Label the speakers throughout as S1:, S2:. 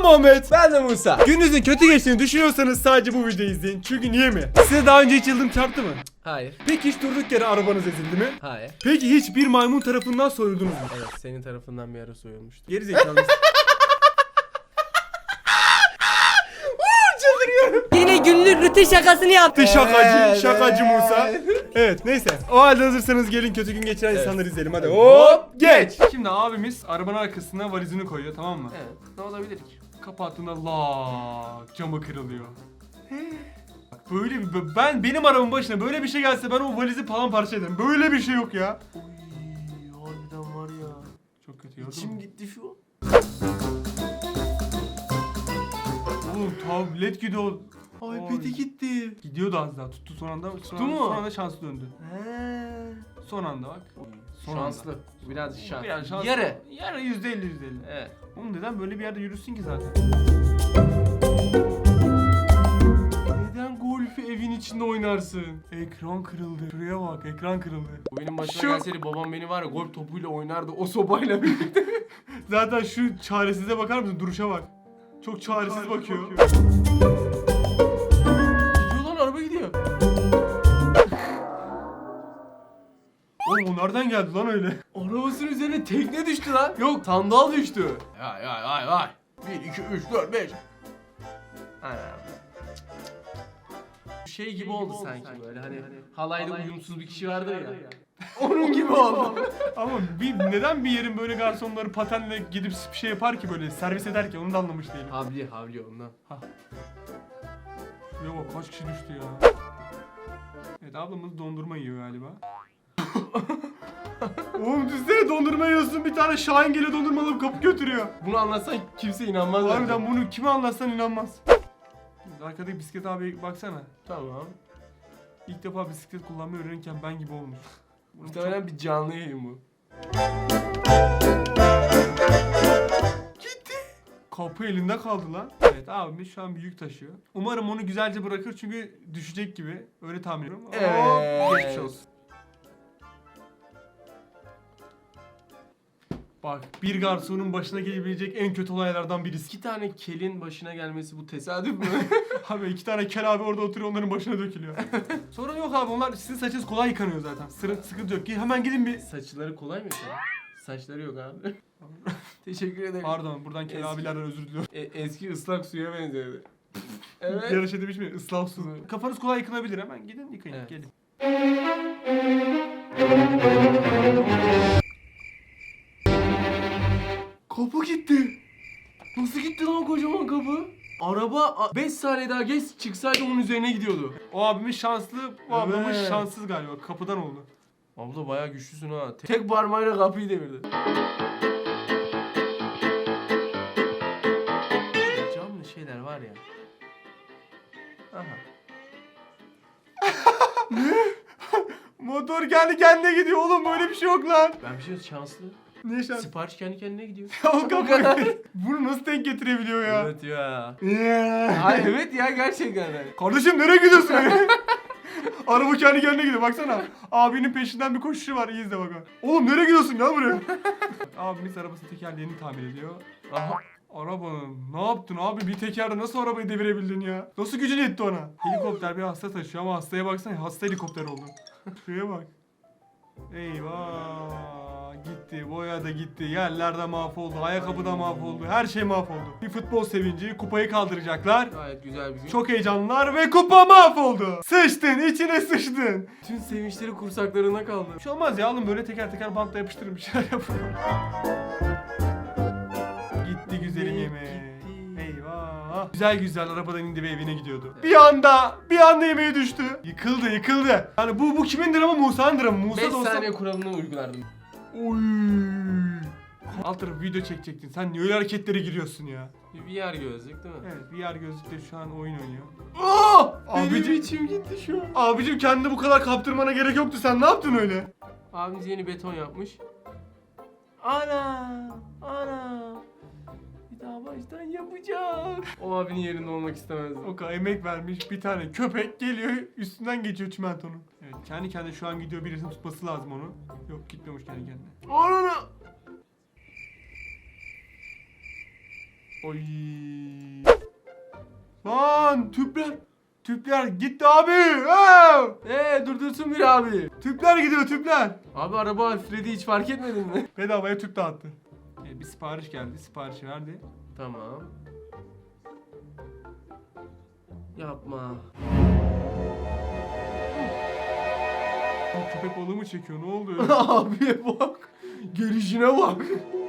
S1: Muhammed.
S2: Ben de Musa.
S1: Gününüzün kötü geçtiğini düşünüyorsanız sadece bu videoyu izleyin. Çünkü niye mi? Size daha önce hiç yıldırım çarptı mı?
S2: Hayır.
S1: Peki hiç durduk yere arabanız ezildi mi?
S2: Hayır.
S1: Peki hiç bir maymun tarafından soyuldunuz mu?
S2: Evet, senin tarafından bir ara soyulmuştu.
S1: Geri zekalı.
S3: Yine günlük rutin şakasını yaptı.
S1: Şakacı, şakacı Musa. Evet neyse. O halde hazırsanız gelin kötü gün geçiren
S2: Evet.
S1: insanları izleyelim. Hadi
S2: Hop,
S1: geç. Şimdi abimiz arabanın arkasına valizini koyuyor, tamam mı?
S2: Evet. Ne olabilir ki?
S1: Kapattığında lak camı kırılıyor. Bak böyle bir benim arabamın başına böyle bir şey gelse ben o valizi paramparça ederim. Böyle bir şey yok ya.
S2: Uy, harbiden var ya.
S1: Çok kötü ya.
S2: İçim gitti şu an.
S1: Oğlum tablet gidiyor.
S2: iPad'e gitti.
S1: Gidiyordu az daha. Tuttu son anda. Tuttu
S2: mu?
S1: Son anda şanslı döndü.
S2: He.
S1: Son anda bak. Son
S2: Şanslı. Biraz şans.
S1: Biraz şanslı.
S2: Yarı.
S1: Yarı %50.
S2: Evet.
S1: Oğlum neden böyle bir yerde yürüsün ki zaten? Neden golfü evin içinde oynarsın? Ekran kırıldı. Şuraya bak, ekran kırıldı.
S2: Bu benim başıma
S1: Şu-
S2: gelseydi babam beni var ya golf topuyla oynardı o sobayla birlikte.
S1: Zaten şu çaresize bakar mısın? Duruşa bak. Çok çaresiz bakıyor.
S2: Gidiyor lan, araba gidiyor.
S1: Oğlum o nereden geldi lan öyle?
S2: Arabasının üzerine tekne düştü lan. Yok, sandal düştü. Vay. 1, 2, 3, 4, 5. Şey gibi oldu sanki böyle hani halayda uyumsuz bir kişi vardı ya. Onun gibi oldu.
S1: Ama neden bir yerin böyle garsonları patenle gidip bir şey yapar ki böyle servis eder ki onu da anlamış değilim.
S2: Havli ondan.
S1: Şuraya bak kaç kişi düştü ya. Evet ablamız dondurma yiyor galiba. Oğlum düşünsene dondurma yiyorsun bir tane Şahin geliyor dondurma alıp kapı götürüyor.
S2: Bunu anlatsan kimse inanmaz.
S1: Harbiden bunu kime anlatsan inanmaz. Arkadaki bisiklet abi baksana.
S2: Tamam.
S1: İlk defa bisiklet kullanmayı öğrenirken ben gibi olmuş.
S2: Muhtemelen bir canlı yayın bu.
S1: Gitti. Kapı elinde kaldı lan. Evet abimiz şu an bir yük taşıyor. Umarım onu güzelce bırakır çünkü düşecek gibi. Öyle tahmin ediyorum.
S2: Evet.
S1: Geçmiş olsun. Bak bir garsonun başına gelebilecek en kötü olaylardan birisi.
S2: 2 tane kelin başına gelmesi bu tesadüf mü?
S1: Abi 2 tane kel abi orada oturuyor onların başına dökülüyor. Sorun yok abi onlar sizin saçınız kolay yıkanıyor zaten. Sıkıntı yok. Hemen gidin bir...
S2: Saçları kolay mı ya? Saçları yok abi. Teşekkür ederim.
S1: Pardon buradan kel
S2: Eski-
S1: abilerden özür diliyorum.
S2: Eski ıslak suya benziyordu. Evet.
S1: Yarış demiş mi? Islah su. Kafanız kolay yıkanabilir hemen gidin yıkayın
S2: Evet.
S1: gelin.
S2: Kapı gitti. Nasıl gitti lan kocaman kapı? Araba 5 saniye daha geç çıksaydı onun üzerine gidiyordu.
S1: O abimiz şanslı, bu ablamız
S2: Evet.
S1: şanssız galiba. Kapıdan oldu.
S2: Abla bayağı güçlüsün ha. Tek parmağıyla kapıyı devirdi. Camlı şeyler var ya. Aha.
S1: Motor kendi kendine gidiyor oğlum böyle bir şey yok lan.
S2: Ben bir şey şanslı.
S1: Ne şans?
S2: Sipariş kendi kendine gidiyor.
S1: O kapı. Bunu nasıl denk getirebiliyor ya?
S2: Evet ya.
S1: Yeah.
S2: Ay evet ya gerçekten.
S1: Kardeşim nereye gidiyorsun? Araba kendi kendine gidiyor baksana. Abinin peşinden bir koşuşu var iyi izle bakalım. Oğlum nereye gidiyorsun gel buraya. Abimiz arabasının tekerleğini tamir ediyor.
S2: Aha.
S1: Arabanın ne yaptın abi bir tekerde nasıl arabayı devirebildin ya? Nasıl gücün yetti ona? Helikopter bir hasta taşıyor ama hastaya baksana hasta helikopter oldu. Şuraya bak. Eyvah gitti boya da gitti yerler de mahvoldu ayakkabı da mahvoldu her şey mahvoldu. Bir futbol sevinci kupayı kaldıracaklar.
S2: Gayet güzel bir gün.
S1: Çok heyecanlılar ve kupa mahvoldu. Sıçtın içine sıçtın.
S2: Tüm sevinçleri kursaklarına kaldı.
S1: Bir şey olmaz ya alın böyle teker teker bantla yapıştırın bir şeyler yapın. Gitti güzelim
S2: Ne
S1: yemeği.
S2: gitti?
S1: Eyvah. Güzel arabadan indi ve evine gidiyordu. Bir anda yemeği düştü. Yıkıldı. Yani bu kimin dramı Musa'nın dramı. Musa
S2: 5
S1: da olsa...
S2: saniye kuralını uygulardım.
S1: Oy. Alt tarafı video çekecektin. Sen niye öyle hareketlere giriyorsun ya?
S2: VR gözlük değil mi?
S1: Evet VR gözlükle şu an oyun oynuyor.
S2: Aa!
S1: Abicim-
S2: Benim içim gitti şu an.
S1: Abicim kendini bu kadar kaptırmana gerek yoktu. Sen ne yaptın öyle?
S2: Abimiz yeni beton yapmış. Ana! Bir daha baştan yapacak. O abinin yerinde olmak istemezdim.
S1: O kadar emek vermiş bir tane köpek geliyor üstünden geçiyor çimentonun. Evet kendi kendine şu an gidiyor birisinin tutması lazım onu. Yok gitmiyormuş kendi kendine.
S2: Ana!
S1: Oy. Lan tüpler. Tüpler gitti abi.
S2: Durdursun bir abi.
S1: Tüpler gidiyor tüpler.
S2: Abi araba hafifledi hiç fark etmedin mi?
S1: Bedavaya tüp dağıttı. Bir sipariş geldi. Siparişi verdi.
S2: Tamam. Yapma.
S1: Köpek balığı mı çekiyor? Ne oldu?
S2: Abiye bak. Gelişine bak.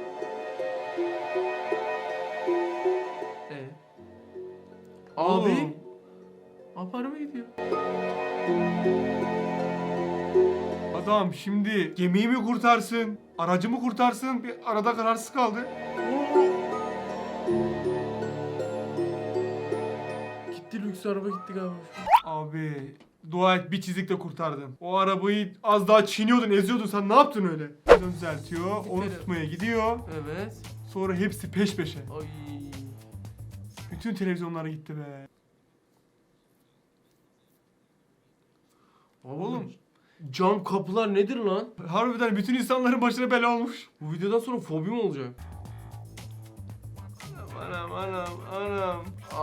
S2: Abi.
S1: Oğlum.
S2: Abi araba gidiyor.
S1: Adam şimdi gemiyi mi kurtarsın? Aracı mı kurtarsın? Bir arada kararsız kaldı.
S2: Gitti lüks araba gitti galiba.
S1: Abi dua et bir çizikle kurtardın. O arabayı az daha çiğniyordun, eziyordun. Sen ne yaptın öyle? Onu düzeltiyor, onu tutmaya gidiyor.
S2: Evet.
S1: Sonra hepsi peş peşe.
S2: Ay.
S1: Bütün televizyonlar gitti be.
S2: Oğlum. Cam kapılar nedir lan?
S1: Harbiden bütün insanların başına bela olmuş.
S2: Bu videodan sonra fobim olacak. Anam.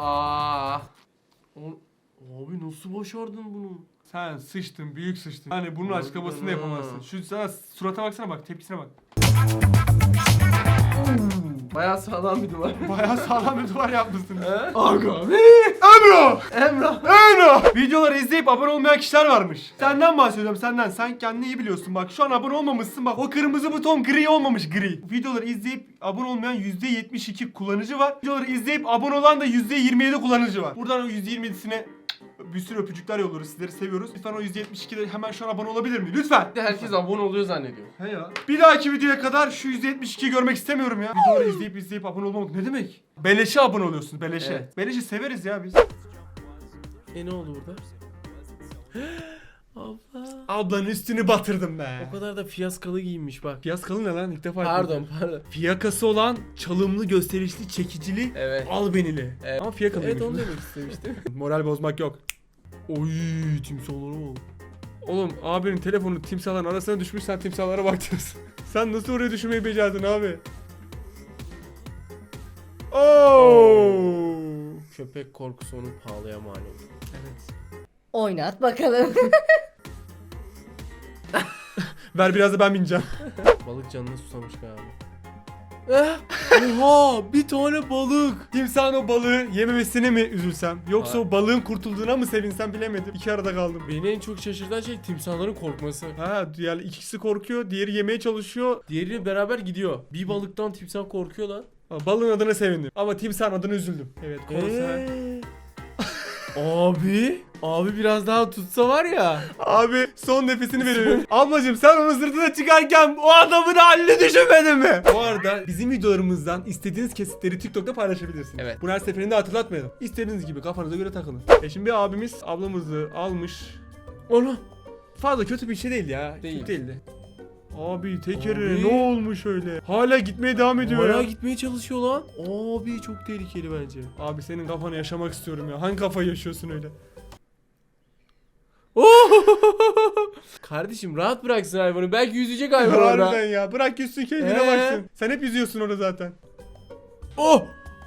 S2: Abi nasıl başardın bunu?
S1: Sen sıçtın, büyük sıçtın. Hani bunun
S2: Harbiden
S1: açıklamasını
S2: ha.
S1: yapamazsın. Şu sana surata baksana bak, tepkisine bak.
S2: Bayağı sağlam bir duvar.
S1: Bayağı sağlam bir duvar yapmışsın.
S2: Aga be.
S1: Emro!
S2: Emrah.
S1: Emro! Videoları izleyip abone olmayan kişiler varmış. Senden bahsediyorum, senden. Sen kendini iyi biliyorsun bak. Şu an abone olmamışsın bak. O kırmızı buton gri olmamış, gri. Videoları izleyip abone olmayan %72 kullanıcı var. Videoları izleyip abone olan da %27 kullanıcı var. Buradan o %27'sine bir sürü öpücükler yolluyoruz. Sizleri seviyoruz. Lütfen o %72'de hemen şu an abone olabilir mi? Lütfen.
S2: Herkes abone oluyor zannediyor.
S1: He ya. Bir dahaki videoya kadar şu %72'yi görmek istemiyorum ya. Videoları izleyip abone olmamak ne demek? Beleşe abone oluyorsun, beleşe.
S2: Evet.
S1: Beleşi severiz ya biz.
S2: Ne oldu burada? Abla.
S1: Ablanın üstünü batırdım be.
S2: O kadar da fiyaskalı giyinmiş bak.
S1: Fiyaskalı ne lan? İlk defa
S2: Pardon.
S1: Fiyakası olan çalımlı, gösterişli, çekicili,
S2: Evet.
S1: albenili.
S2: Evet.
S1: Ama fiyakalıymış.
S2: Evet onu demek istemiştim.
S1: Moral bozmak yok. Oy timsahlara bak. Oğlum abinin telefonu timsahların arasına düşmüş, sen timsahlara baktınız. Sen nasıl oraya düşmeyi becerdin abi? Oo.
S2: Köpek korkusu onu pahalıya mal oldu.
S1: Evet.
S3: Oynat bakalım.
S1: Ver biraz da ben bineceğim.
S2: Balık canına susamış galiba. Oha bir tane balık.
S1: Timsahın o balığı yememesine mi üzülsem? Yoksa
S2: Hayır.
S1: o balığın kurtulduğuna mı sevinsem bilemedim. İki arada kaldım.
S2: Beni en çok şaşırtan şey timsahların korkması.
S1: Ha yani ikisi korkuyor, diğeri yemeye çalışıyor.
S2: Diğeriyle beraber gidiyor. Bir balıktan timsah korkuyor lan.
S1: Balığın adına sevindim ama timsahın adına üzüldüm. Evet konser.
S2: Abi biraz daha tutsa var ya.
S1: Abi son nefesini veriyorum. Ablacım sen onun sırtına çıkarken o adamın halini düşünmedin mi? Bu arada bizim videolarımızdan istediğiniz kesitleri TikTok'ta paylaşabilirsiniz.
S2: Evet.
S1: Bunu her seferinde hatırlatmayalım. İstediğiniz gibi kafanıza göre takılın. Şimdi bir abimiz ablamızı almış.
S2: Onu.
S1: Fazla kötü bir şey değil ya.
S2: Değil.
S1: Kötü değildi. Abi tekeri
S2: Abi.
S1: ne olmuş öyle? Hala gitmeye devam ediyor
S2: Hala
S1: ya.
S2: gitmeye çalışıyor lan. Abi çok tehlikeli bence.
S1: Abi senin kafanı yaşamak istiyorum ya. Hangi kafayı yaşıyorsun öyle?
S2: Kardeşim rahat bıraksın hayvanı. Belki yüzecek hayvan orada.
S1: Harbiden ya. Bırak yüzsün kendine baksın. Sen hep yüzüyorsun orada zaten.
S2: Oh!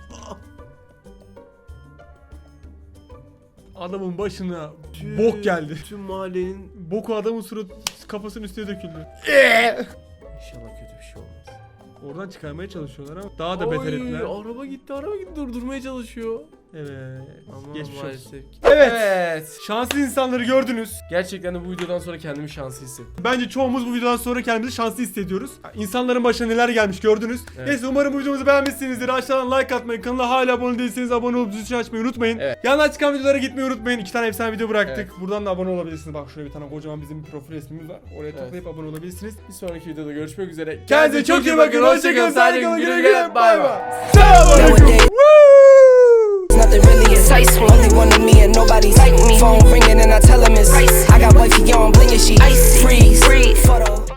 S1: Adamın başına bok geldi.
S2: Tüm mahallenin
S1: Boku adamın kafasının üstüne döküldü.
S2: İnşallah kötü bir şey olmaz.
S1: Oradan çıkarmaya çalışıyorlar ama daha da beter ettiler.
S2: Araba gitti durdurmaya çalışıyor.
S1: Evet.
S2: Ama
S1: Geçmiş olsun.
S2: maalesef.
S1: Evet. Şanslı insanları gördünüz.
S2: Gerçekten de bu videodan sonra kendimi şanslı hissettim.
S1: Bence çoğumuz bu videodan sonra kendimizi şanslı hissediyoruz. İnsanların başına neler gelmiş gördünüz.
S2: Evet.
S1: Neyse umarım bu videomuzu beğenmişsinizdir. Aşağıdan like atmayı, kanala hala abone değilseniz abone olup zil açmayı unutmayın.
S2: Evet.
S1: Yandan çıkan videolara gitmeyi unutmayın. 2 tane efsane video bıraktık.
S2: Evet.
S1: Buradan da abone olabilirsiniz. Bak şuraya bir tane kocaman bizim bir profil resmimiz var. Oraya
S2: Evet.
S1: tıklayıp abone olabilirsiniz.
S2: Bir sonraki videoda görüşmek üzere.
S1: Kendinize çok iyi bakın. Hoşçakalın. Sağlıklı kalın. Güle güle. Bay bay.
S4: Nowadays, nothing really excites me. Only one of me and nobody's like me. Phone ringing and I tell him it's I got wifey on bling and she icy.